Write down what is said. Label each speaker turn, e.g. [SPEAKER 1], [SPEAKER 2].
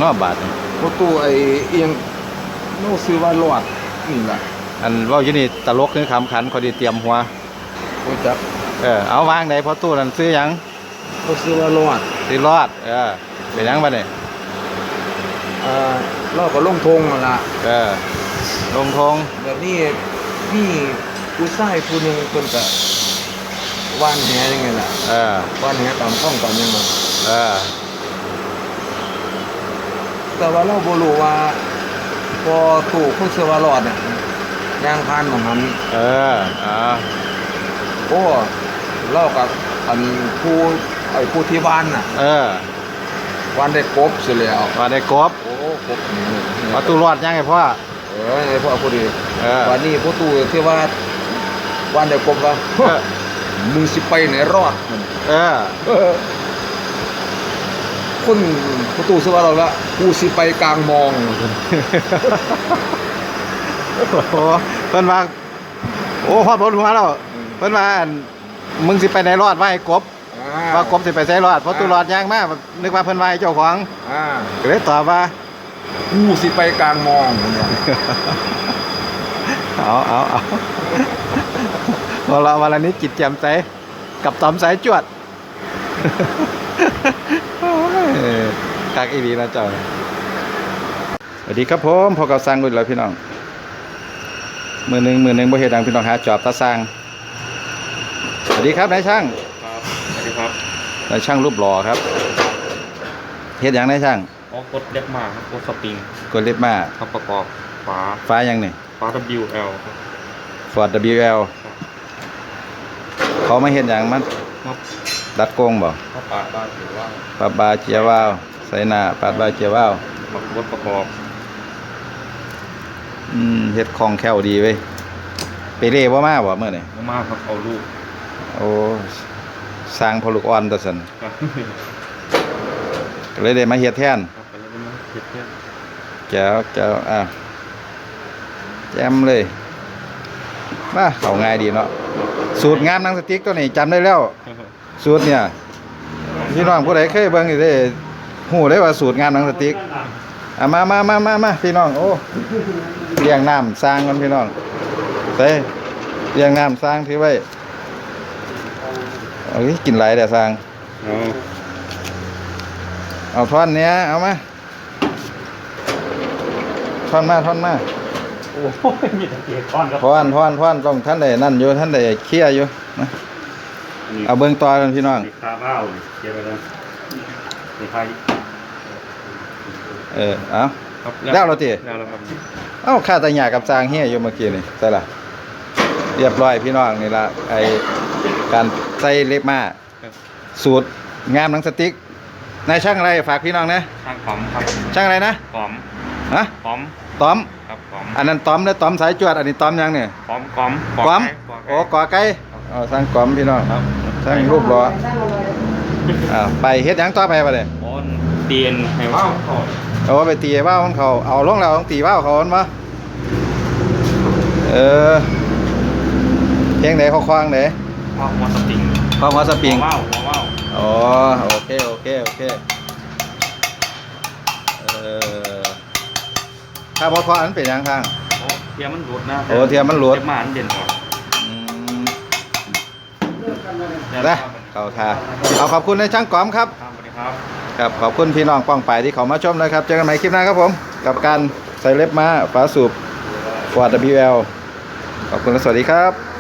[SPEAKER 1] นอกบาท
[SPEAKER 2] ประตูไอ้เอียงโน้ซื้อว่าหลอดนี่แหละ
[SPEAKER 1] อันว่าอยู่นี่ตลกคือคำขันเขาดีเตรียมหัว
[SPEAKER 2] โอ้จับ
[SPEAKER 1] เอาวางไหนพอตู้นั่นซื้อยัง
[SPEAKER 2] เขาซื้อว่าหลอด
[SPEAKER 1] ซื้อรอดเป็นยังบ้าเนี่ย
[SPEAKER 2] เราก็ลงทงนั่นล่ะ
[SPEAKER 1] ลงทง
[SPEAKER 2] แบบนี้พี่ผู้ชายผู้นึงคนก็ว่านแหยังไงล่ะว่านแหตามข้องตามยังไงแต่ว่าเราบ่รู้ว่าพอตู่คนเสือว่าหลอดเนี่ยยางพานของมันโอ้เล่ากับอันผู้ที่บ้านน่ะวันได้กบเสียแล้ว
[SPEAKER 1] วันได้กบ
[SPEAKER 2] โอ้กบ
[SPEAKER 1] มาตู้รอดยังไงพ่อ
[SPEAKER 2] ไงพ่อพอดีวันนี้พ่อตู่ที่ว่าวันได้กบว่ามึงสิไปไหนรอดคนพ่อตู่เสือว่าเราละกูสิไปกลางมอง
[SPEAKER 1] โอ้เพิ่นว่าโอ้ฮอดบนหัวแล้วเพิ่นว่ามึงสิไปไหนรอดว่าไอ้กบว่ากบสิไปใส่รอดเพราะตู้รอดยางมากนึกว่าเพิ่นว่าเจ้าของก็เลยตอบว่า
[SPEAKER 2] กูสิไปกลางมอง
[SPEAKER 1] เอาวันละนี้จิตแจ่มใสกับตอมสายจวดกักอีดีนะเจ้าสวัสดีครับผมพอกับสร้างกุญแล้วพี่น้องมือหนึ่งบ่เฮ็ดดังพี่น้องหาจอบตาสร้างสวัสดีครับนายช่าง
[SPEAKER 3] ครับสวัสดีครับ
[SPEAKER 1] นายช่างรูปหล่อครับเฮ็ดอย่างนายช่าง
[SPEAKER 3] กดเล็บมาครับกดสปริง
[SPEAKER 1] กดเล็บมา
[SPEAKER 3] ครับประกอบ
[SPEAKER 1] ฝาอย่างนี่
[SPEAKER 3] ฝา WL ครับ
[SPEAKER 1] Ford WL เขาไม่เฮ็ดอย่างมันดัดโกงบ่
[SPEAKER 3] ปาดบาเจียวว่าว
[SPEAKER 1] ปาดบาเจียวว่าวใส่หน้าปาดบาเจียวว่าว
[SPEAKER 3] กดประกอบ
[SPEAKER 1] เฮ็ดคล่องแคล่วดีเว้ยไปเร่บ่มาบ่เมื่อนี่
[SPEAKER 3] บ่มาครับเอาลูก
[SPEAKER 1] โอ้สร้างพอลูกอ่อนตะซั่นก็เลยได้มาเฮ็ดแทน
[SPEAKER 3] ครับก็เลยได้มาเฮ็ดแทน
[SPEAKER 1] แจ๋วแจ่มเลยมาเข้าง่ายดีเนาะสูตรงามหนังสติ๊กตัวนี้จำได้แล้วสูตรเนี่ยพี่น้องผู้ใดเคยเบิ่งสิได้ฮู้ได้ว่าสูตรงามหนังสติ๊กมาพี่น้องโอ้เลี้ยงน้ำสร้างกันพี่น้องเต้เลี้ยงน้ำสร้างถือไว้กินไหลแต่สร้างเอาท่อนเนี้ยเอามาท่อนมา
[SPEAKER 3] โอ้ยมีแต่เกียร์ท่อนครับ
[SPEAKER 1] ท่อนต้องท่านใดนั่นอยู่ท่านใดเคี่ยอยู่นะเอาเบิ่งต่อกันพี่น้อง
[SPEAKER 3] คาบ้าเกียร์ไปแล้วนี่ใคร
[SPEAKER 1] เอาแล้วเราตี
[SPEAKER 3] แล้วครับ
[SPEAKER 1] ข้าตาหยากับจางเฮียอยู่เมื่อกี้นี่ใช่ล่ะเรียบร้อยพี่น้องนี่ละไอการใส่เล็บมาสูตรงามหนังสติ๊กนายช่างอะไรฝากพี่น้องนะ
[SPEAKER 3] ช่างป๋อมครับ
[SPEAKER 1] ช่างอะไรนะ
[SPEAKER 3] ป๋อม
[SPEAKER 1] ต้อม
[SPEAKER 3] ครับป๋อม
[SPEAKER 1] อันนั้นต้อมแล้วต้อมสายจวดอันนี้ต้อมยังเนี่ย
[SPEAKER 3] ป๋อม
[SPEAKER 1] โอ้ก่อไก่สร้างก๋อมพี่น้องสร้างรูปหล่อไปเฮ็ดยังต่อไปป่ะเนี่ย
[SPEAKER 3] เตียนให้ว่าว
[SPEAKER 1] เอาไปตีว่าวของเขาเอาลงแล้วต้องตีว่าวเขาอนมาเพียงไหนเขาคว้างไหน
[SPEAKER 3] ว่าวหัวสปริงว่าว
[SPEAKER 1] อ๋อโอเคถ้าพออันเป็นยังทาง
[SPEAKER 3] เทียมมันหลุดนะ
[SPEAKER 1] เทียมมันหลุด
[SPEAKER 3] มาอันเด่นกว่า
[SPEAKER 1] นะเข้าท่าเอาขอบคุณในช่างก๋อมครับ
[SPEAKER 3] สวัสดีครับ
[SPEAKER 1] ครับขอบคุณพี่น้องป้องไปที่เขามาชมนะครับเจอกันใหม่คลิปหน้าครับผมกับการใส่เล็บม้าฝาสูบ Ford WL ขอบคุณและสวัสดีครับ